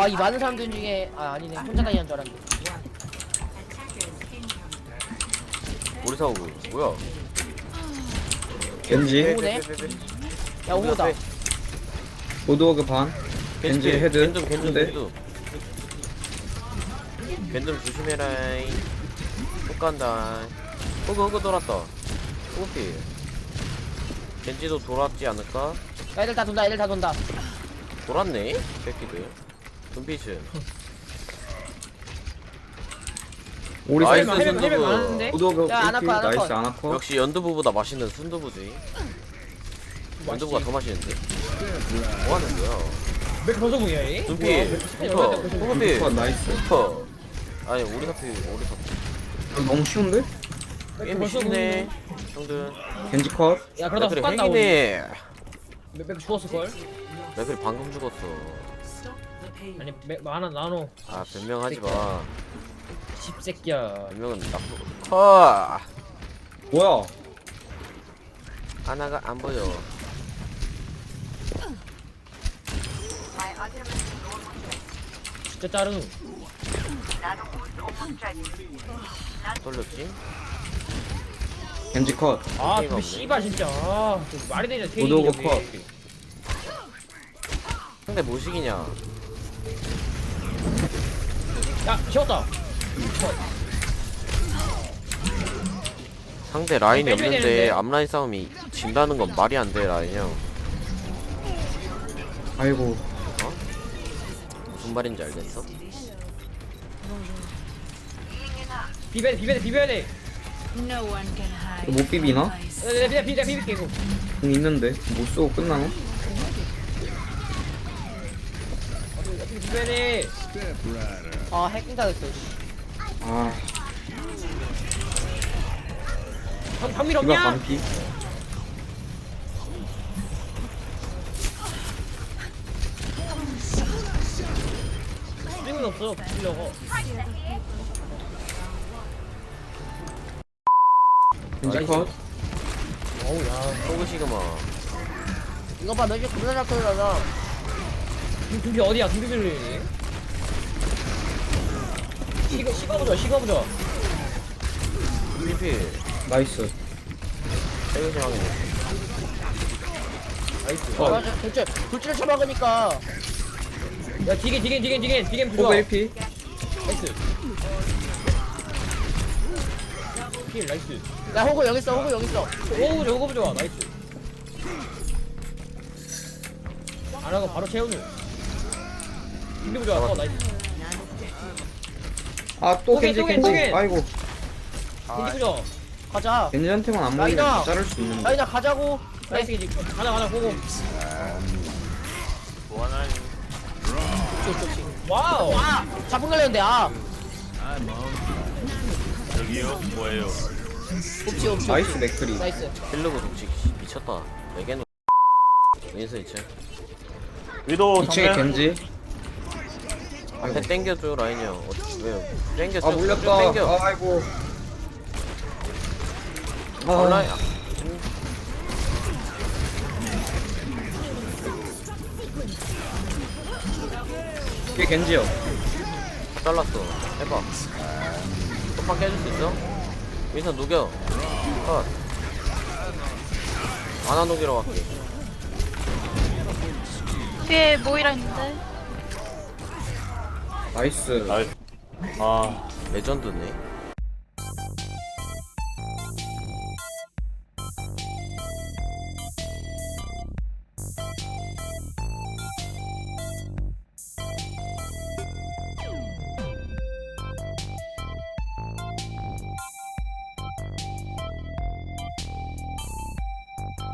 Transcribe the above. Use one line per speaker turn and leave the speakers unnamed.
와, 이 많은 사람들 중에 아니네. 혼자 다니는 줄 알았는데.
우리 사오고 뭐야?
겐지
오네. 야, 오다.
로드워크 반 겐지 헤드
겐좀
근데
겐좀 조심해라잉. 또 간다. 호그 돌았다. 호그피. 겐지도 돌았지 않을까?
야, 애들 다 돈다. 애들 다 돈다.
돌았네? 새끼들. 눈빛은.
우리
나이스,
사이드
순두부.
헬멧 많은데?
로드워크
야, 안
1피
아파, 안 아파.
나이스 안 아파
역시 연두부보다 맛있는 순두부지. 연두부가 더 맛있는데? 뭐 하는 거야?
몇 번성공이야, 얘?
눈빛. 슈퍼. 호그피.
컷 나이스
슈퍼. 아니 우리 사피.
너무 쉬운데?
게임이 쉽네. 형들.
겐지 컷
야, 그러다
맥클이
훅 간다, 우리.
핵이네.
몇 죽었을걸?
맥클이 방금 죽었어.
아니, 하나 나눠.
아 변명하지 마.
집새끼야.
변명은 나쁘고. 커.
뭐야
하나가 안 보여.
진짜 짜르.
돌렸지?
겐지 컷
아,
게임
근데
없네.
씨발, 진짜. 아, 저 말이 되냐,
로드워크
테이블이.
컷.
상대 뭐식이냐?
야, 쉬웠다.
상대 라인이
빼줘야
없는데
되는데.
앞라인 싸움이 진다는 건 말이 안 돼 라인 형.
아이고
무슨 말인지 알겠어?
비벼야 돼.
No one can hide.
못 비비나?
내가 비빌게, 이거.
공 있는데 못 쏘고 끝나나?
비벼야 돼. 아, 해킹 당했어.
아
방밀
이거
없냐?
반피
스윙은 없어, 비비려고.
겐지 컷
어우, 야.
호그 시그마.
이거 봐, 몇개 겁나 잘 끌어가잖아. 등비 어디야? 등비를. 식어보자.
PP.
나이스
세금 상황이.
컷
맞아, 돌진을 쳐박으니까. 야, 디겐
호그
부좋아.
1피
나이스. 킬, 나이스. 야, 호구 여기 있어. 호구 좋아. 나이스. 안 하고 바로 채우누. 등비 좋아. 나이스.
아또
오케이,
겐지
또
겐지
겐지.
아이고
등비 좋아. 가자.
겐지한테만 안
라이나.
맞으면 자를 수 있는데
라이나 가자고. 나이스. 가자, 호구.
뭐하나?
좋지. 와우. 아, 자폭 날렸는데,
저기요? 뭐예요?
옵치.
나이스 맥크리
나이스.
힐러그 독식 미쳤다. 내게는 윈스 2층.
위도
2층에
정면?
겐지
앞에 땡겨줘 라인 형. 왜요? 땡겨.
아 물렸다
땡겨.
아이고
라인.
이게 겐지요
잘랐어. 해봐. 또판 깨줄 수 있어? 윈선 녹여. 컷. 안아 녹이러 갈게.
뒤에 모이라 있는데.
나이스
아,
레전드네.